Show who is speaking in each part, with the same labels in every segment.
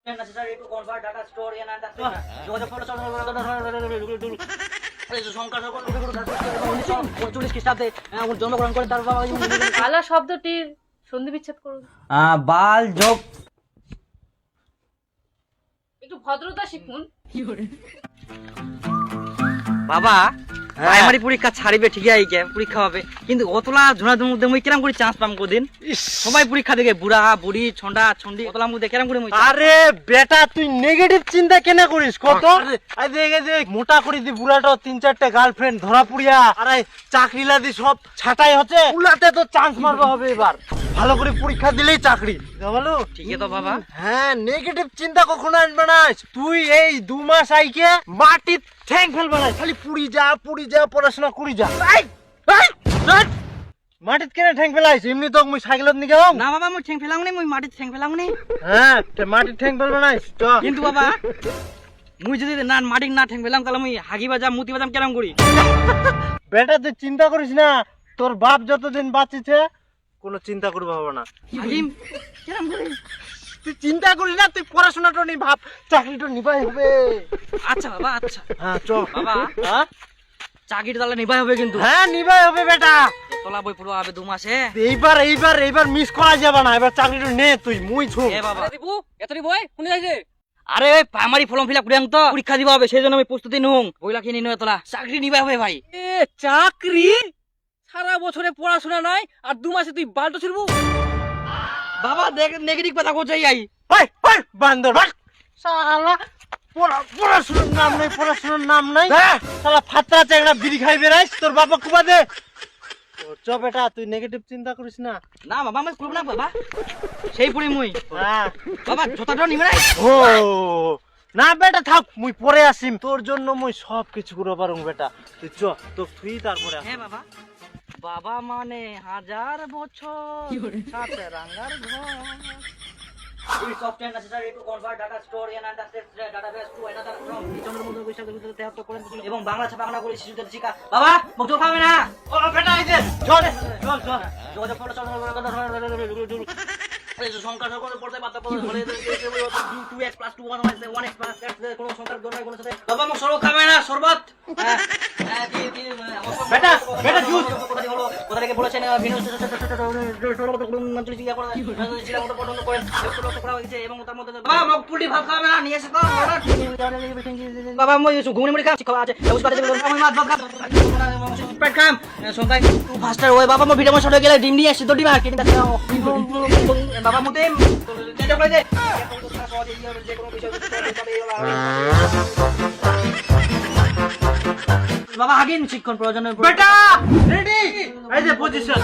Speaker 1: necessary to convert data stored in and যোগাযোগ খ্রিস্টাব্দে জন্মগ্রহণ করেন। তার বাবা
Speaker 2: বালা শব্দটির সন্ধি বিচ্ছেদ করুন।
Speaker 1: বাল যোগ
Speaker 2: একটু ভদ্রতা শিখুন।
Speaker 1: বাবা প্রাইমারি পরীক্ষা ছাড়িবে ঠিকই আইকে পরীক্ষা হবে, কিন্তু অতলা ঝোনাদের মধ্যে মুই কেরাম করে চান্স পাম কোদিন? সবাই পরীক্ষা দেখে বুড়া বুড়ি ছন্ডা ছন্ডি অতলা মধ্যে কেরাম করে মুই?
Speaker 3: আরে বেটা তুই নেগেটিভ চিন্তা কেন করিস কত? আরে মোটা করে দি বুড়াটা 3-4টা গার্লফ্রেন্ড ধরা পুড়িয়া আরে চাকরি লাদি সব ছাটাই হচ্ছে, উলাতে তো চান্স মারবা হবে এবার। ভালো করে পরীক্ষা দিলেই চাকরি বলো।
Speaker 1: ঠিকই তো বাবা।
Speaker 3: হ্যাঁ নেগেটিভ চিন্তা কখনো আনবে না। তুই এই 2 মাস আইকে মাটি ঠ্যাং ফেলবে না, খালি পুড়ি যা পড়াশোনা করি যা। মাটিত কেন ঠ্যাং ফেলাইছ? এমনি তো মুই সাইকেলত নিয়ে যাও
Speaker 1: না বাবা, মুই ঠ্যাং ফেলাম নি, মুই মাটিতে ঠ্যাং ফেলাম নি।
Speaker 3: হ্যাঁ মাটির ঠ্যাং ফেলবে না তো।
Speaker 1: কিন্তু বাবা মুই যদি না মাটির না ঠ্যাং ফেলাম তাহলে মুই হাগি বাজাম মুতি বাজাম কেরাম করি?
Speaker 3: বেটা তুই চিন্তা করিস না, তোর বাপ যতদিন বাঁচিছে কোনো চিন্তা করবে হবে না।
Speaker 1: হাগিম কেরাম করি?
Speaker 3: তুই চিন্তা করিস না, তুই পড়াশোনাটা নি ভাব, চাকরিটা নিবাই হবে।
Speaker 1: আচ্ছা বাবা আচ্ছা।
Speaker 3: হ্যাঁ চ
Speaker 1: বাবা
Speaker 3: হ্যাঁ
Speaker 1: চাকরিটা তাহলে নিবাই হবে কিন্তু?
Speaker 3: হ্যাঁ নিবাই হবে বেটা।
Speaker 1: তোলা বই পড়বা হবে 2 মাসে।
Speaker 3: এইবার মিস করা যাবে না, এবার চাকরিটা নে তুই, মুই ছু।
Speaker 1: এ বাবা দিবু এতরি বই কোন যাইছে? আরে ওই প্রাইমারি ফর্ম ফিল আপ করে তো পরীক্ষা দিবা হবে, সেই জন্য আমি প্রস্তুতি নুং বইলা কিনে নিয়ে তোলা চাকরি নিবাই হবে ভাই।
Speaker 4: এ চাকরি? সারা বছরে পড়াশোনা নাই আর 2 মাসে তুই বালটো ছিড়বু?
Speaker 1: বাবা দেখ নেগেটিভ কথা কোথায় আই?
Speaker 3: ওই বান্দর ভাগ শালা, পড়াশোনার নাম নাই শালা, ফাতরা চেংড়া বিড়ি খাই বেড়াইস, তোর বাবা কুবা দে। চ বেটা তুই নেগেটিভ চিন্তা করিস না।
Speaker 1: না বাবা আমি করব না বাবা, সেই পড়ি মুই।
Speaker 3: হ্যাঁ
Speaker 1: বাবা জোতাটা নিবে না?
Speaker 3: ও না বেটা থাক, মুই পরে আসিম, তোর জন্য মুই সব কিছু করে পারুম বেটা। তুই চ তো তুই তারপরে আস।
Speaker 1: হ্যাঁ বাবা। বাবা মানে 1000 বছর সাথে রাঙ্গার ঘর। We software necessary to convert data stored in and database to another from বিচনের মধ্যে বৈশাখ 2073 করেন এবং বাংলা ছাপাখানা করে শিশুদের শিক্ষা। বাবা মুখ জোর খাবে না।
Speaker 3: ও বেটা এই যে চল চল
Speaker 1: যোগাযোগ করলে সংখ্যা সকল পড়তে পারতে হলে 2x + 2 1x কোনো সংখ্যার দরকার কোনো সাথে। বাবা মুখ সরব খাবে না শরবত।
Speaker 3: বেটা জুস
Speaker 1: কোথা থেকে বলেছেন এবং তার মধ্যে বাবা মুখ পুলি ভাত খাবে না নিয়ে এসে তো বাবা মই ঘুমনি মুড়ি খাচ্ছি খাওয়া আছে আমি মাছ ভাত খাবো পেট খাম সন্তান ফাস্টার ওই বাবা মো ভিডিও মশলা গেলে ডিম নিয়ে এসে তো ডিম আর কিনে কাছে বাবা মুতে তেজ করে দে যে কোনো বিষয় বাবা আগেন শিক্ষণ প্রয়োজন
Speaker 3: বেটা রেডি এই যে পজিশন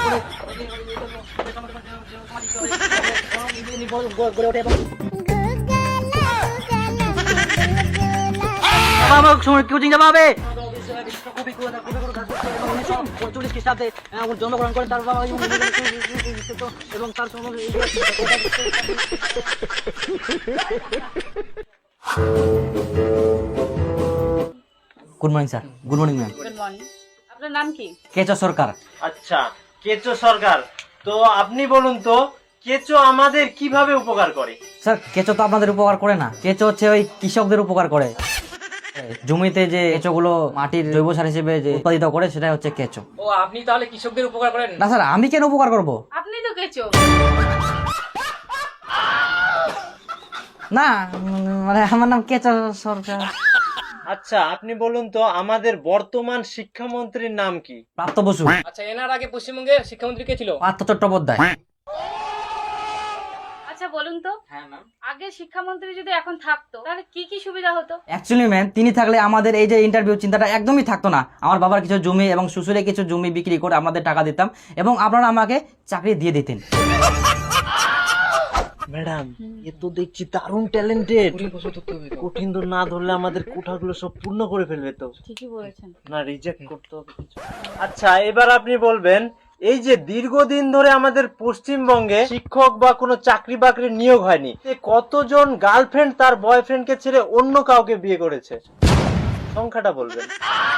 Speaker 1: গড়ে ওঠে এবং বাবা সময় কোচিং যাওয়া হবে। খ্রিস্টাব্দে জন্মগ্রহণ করেন। তার বাবা এবং তার good morning sir. Good morning ma'am.
Speaker 2: Good morning. আপনার নাম কি?
Speaker 1: কেচো সরকার।
Speaker 3: আচ্ছা কেচো সরকার, তো আপনি বলুন তো কেচো আমাদের কিভাবে উপকার করে?
Speaker 1: স্যার কেঁচো তো আপনাদের উপকার করে না, কেঁচো হচ্ছে ওই কৃষকদের উপকার করে। জমিতে যে কেঁচোগুলো মাটির জৈব সার হিসেবে যে উৎপাদিত করে সেটাই হচ্ছে কেঁচো।
Speaker 4: ও আপনি তাহলে কৃষকদের উপকার করেন?
Speaker 1: না স্যার আমি কেন উপকার করব?
Speaker 2: আপনি তো কেচো।
Speaker 1: না মানে আমার নাম কেঁচো সরকার।
Speaker 3: আচ্ছা আপনি বলুন তো আমাদের বর্তমান শিক্ষামন্ত্রীর নাম কি?
Speaker 1: প্রাপ্ত বসু।
Speaker 4: আচ্ছা এনার আগে পশ্চিমবঙ্গের শিক্ষামন্ত্রী কে ছিল?
Speaker 1: পার্থ চট্টোপাধ্যায়।
Speaker 2: আচ্ছা বলুন তো
Speaker 1: হ্যাঁ ম্যাম।
Speaker 2: আগে শিক্ষামন্ত্রী যদি এখন থাকতো তাহলে কি কি সুবিধা হতো?
Speaker 1: অ্যাকচুয়ালি ম্যাম তিনি থাকলে আমাদের এই যে ইন্টারভিউ চিন্তাটা একদমই থাকতো না। আমার বাবার কিছু জমি এবং শ্বশুরের কিছু জমি বিক্রি করে আমাদের টাকা দিতাম এবং আপনারা আমাকে চাকরি দিয়ে দিতেন।
Speaker 3: ম্যাডাম এ তো দেখছি দারুণ ট্যালেন্টেড, কঠিন তো না ধরলে আমাদের কোঠাগুলো সব পূর্ণ করে ফেলবে তো।
Speaker 2: ঠিকই বলেছেন।
Speaker 3: না রিজেক্ট করতে হবে কিছু। আচ্ছা এবার আপনি বলবেন এই যে দীর্ঘদিন ধরে আমাদের পশ্চিমবঙ্গে শিক্ষক বা কোনো চাকরি বাকরি নিয়োগ হয়নি, কতজন গার্লফ্রেন্ড তার বয়ফ্রেন্ডকে ছেড়ে অন্য কাউকে বিয়ে করেছে? সংখ্যাটা বলবেন।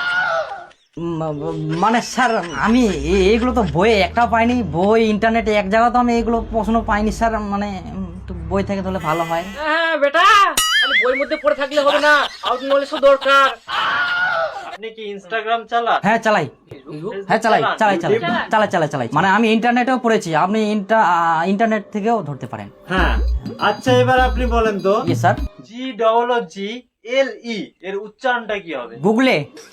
Speaker 1: মানে স্যার আমি এইগুলো তো বইয়ে একটাও পাইনি, বই ইন্টারনেটে এক জায়গা তো আমি এইগুলো প্রশ্ন পাইনি স্যার। মানে একটু বই থেকে ধরলে ভালো হয়।
Speaker 4: হ্যাঁ বেটা, খালি বইয়ের মধ্যে পড়ে থাকলে হবে না, আউট নলেজও দরকার।
Speaker 3: আপনি কি ইনস্টাগ্রাম চালান?
Speaker 1: হ্যাঁ চালাই, হ্যাঁ চালাই চালাই চালাই চালাই চালাই চালাই, মানে আমি ইন্টারনেটেও পড়েছি, আপনি ইন্টারনেট থেকেও ধরতে পারেন।
Speaker 3: হ্যাঁ, আচ্ছা এবার আপনি বলেন তো
Speaker 1: ইয়েস স্যার।
Speaker 3: GGLE এর উচ্চারণটা কি হবে?
Speaker 1: গুগলে।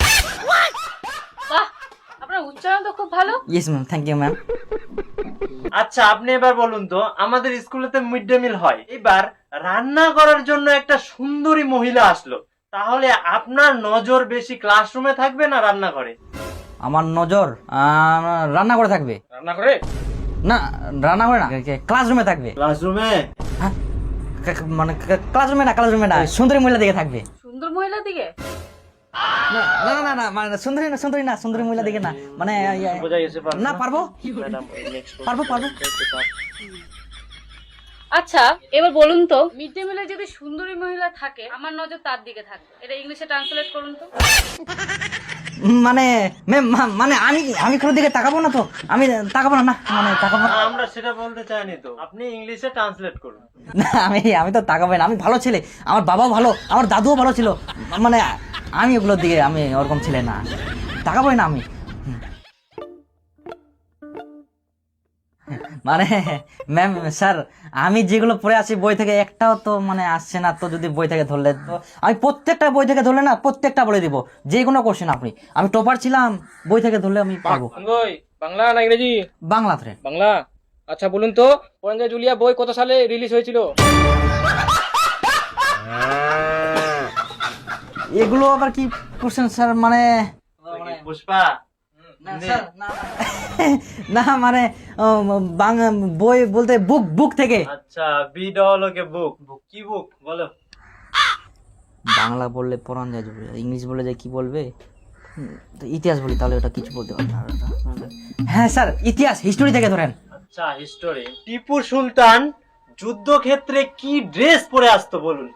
Speaker 2: বাহ, আপনার উচ্চারণ তো খুব ভালো।
Speaker 1: Yes ma'am, thank you ma'am.
Speaker 3: আচ্ছা আপনি এবার বলুন তো, আমাদের স্কুলেতে মিড ডে মিল হয়, এবার রান্না করার জন্য একটা সুন্দরী মহিলা আসলো, তাহলে আপনার নজর বেশি ক্লাসরুমে থাকবে না রান্নাঘরে?
Speaker 1: আমার নজর রান্না করে থাকবে।
Speaker 4: রান্না করে?
Speaker 1: না, রান্না করে না, ক্লাসরুমে থাকবে।
Speaker 3: ক্লাসরুমে?
Speaker 1: হ্যাঁ, মানে ক্লাসরুমে না, ক্লাসরুমে না, সুন্দরী মহিলা দিকে থাকবে।
Speaker 2: সুন্দর মহিলা দিকে?
Speaker 1: না না না না, মানে সুন্দরী না, সুন্দরী না, সুন্দরী মহিলা দিকে না, মানে
Speaker 3: বোঝা গেছে?
Speaker 1: না, পারবো পারবো পারবো।
Speaker 2: আচ্ছা এবার বলুন তো, মিড ডে মিলে যদি সুন্দরী মহিলা থাকে, আমার নজর তার দিকে থাকবে, এটা ইংলিশে ট্রান্সলেট করুন তো।
Speaker 1: মানে ম্যাম, মানে আমি কোনো দিকে তাকাবো না তো, আমি তাকাবো না, না মানে তাকাবো না।
Speaker 3: আমরা সেটা বলতে চাইনি তো, আপনি ইংলিশে ট্রান্সলেট করুন।
Speaker 1: না, আমি তো তাকাবো না, আমি ভালো ছেলে, আমার বাবাও ভালো, আমার দাদুও ভালো ছিল, মানে আমি ওগুলোর দিকে, আমি ওরকম ছেলে না, তাকাবোই না আমি। মানে ম্যাম স্যার, আমি যেগুলো পড়ে আছি বই থেকে একটাও তো মানে আসছে না, তো যদি বই থেকে ধরলে তো আমি প্রত্যেকটা বই থেকে ধরলে না প্রত্যেকটা বলে দিব, যে কোনো কোশ্চেন আপনি, আমি টপার ছিলাম, বই থেকে ধরলে আমি পারবো।
Speaker 4: বই বাংলা না ইংরেজি?
Speaker 1: বাংলাতে।
Speaker 4: বাংলা। আচ্ছা বলুন তো, পরঞ্জয় জুলিয়া বই কত সালে রিলিজ হয়েছিল?
Speaker 1: এগুলো আবার কি কোশ্চেন স্যার, মানে
Speaker 3: পুষ্পা?
Speaker 1: না মানে বই বলতে বুক থেকে।
Speaker 3: আচ্ছা, বিডলকে বুক, কি বুক বলো?
Speaker 1: বাংলা বললে পড়ান যায়, ইংলিশ বললে যায় কি বলবে, তো ইতিহাস বলি তাহলে ওটা কিছু বলতে পারবে না। হ্যাঁ স্যার, ইতিহাস, হিস্টোরি থেকে ধরেন।
Speaker 3: আচ্ছা হিস্টোরি। টিপু সুলতান যুদ্ধক্ষেত্রে কি ড্রেস পরে আসতো বলুন?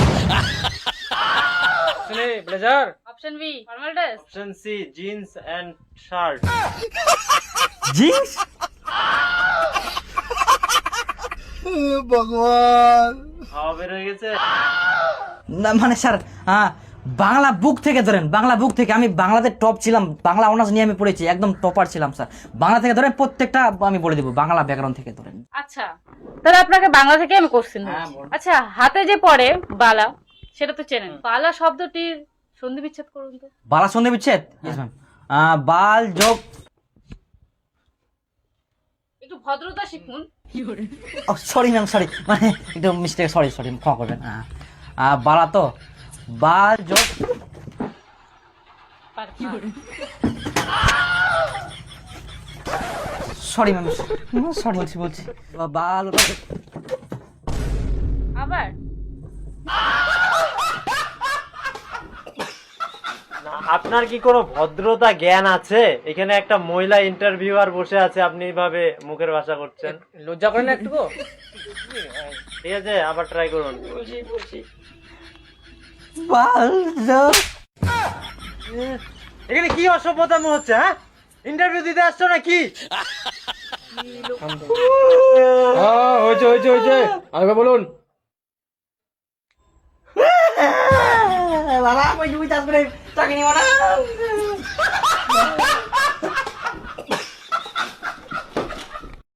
Speaker 4: Blazer.
Speaker 2: Option B formal dress.
Speaker 3: Option C jeans and shirt.
Speaker 1: Jeans?
Speaker 3: ভগবান, খাওয়া বের হয়ে গেছে।
Speaker 1: না মানে স্যার, বাংলা বুক থেকে ধরেন, বাংলা বুক থেকে, আমি বাংলাতে টপ ছিলাম, বাংলা অনার্স নিয়ে আমি পড়েছি, একদম টপার ছিলাম স্যার। বাংলা থেকে ধরেন প্রত্যেকটা আমি বলে দেবো, বাংলা ব্যাকরণ থেকে ধরেন।
Speaker 2: আচ্ছা তাহলে আপনাকে বাংলা থেকে আমি কোশ্চেন আচ্ছা, হাতে যে পড়ে বালা, সেটা তো চেনেন, বালা শব্দটির সন্ধি বিচ্ছেদ করুন তো।
Speaker 1: বালা সন্ধি বিচ্ছেদ? Yes ma'am. বাল যোগ,
Speaker 2: একটু ভদ্রতা শিখুন।
Speaker 1: সরি ম্যাম, সরি, মানে একটু মিস্টেক, সরি ক্ষমা করবেন। বালা তো বাল যোগ, সরি ম্যাম, সরি বলছি বাল।
Speaker 2: আবার
Speaker 3: আপনার কি কোনো ভদ্রতা জ্ঞান আছে? এখানে একটা মহিলা ইন্টারভিউয়ার বসে আছে, আপনি এইভাবে মুখের ভাষা করছেন,
Speaker 4: লজ্জা করেন না একটু?
Speaker 3: ঠিক আছে, আবার ট্রাই করুন।
Speaker 1: বাল যোগ,
Speaker 3: এখানে কি অসভ্যতাম হচ্ছে? হ্যাঁ, ইন্টারভিউ দিতে আসছো নাকি?
Speaker 4: হয়েছে, আরেকবার বলুন।
Speaker 1: বাবা, ওই চাষ করে চাকরি নিব না।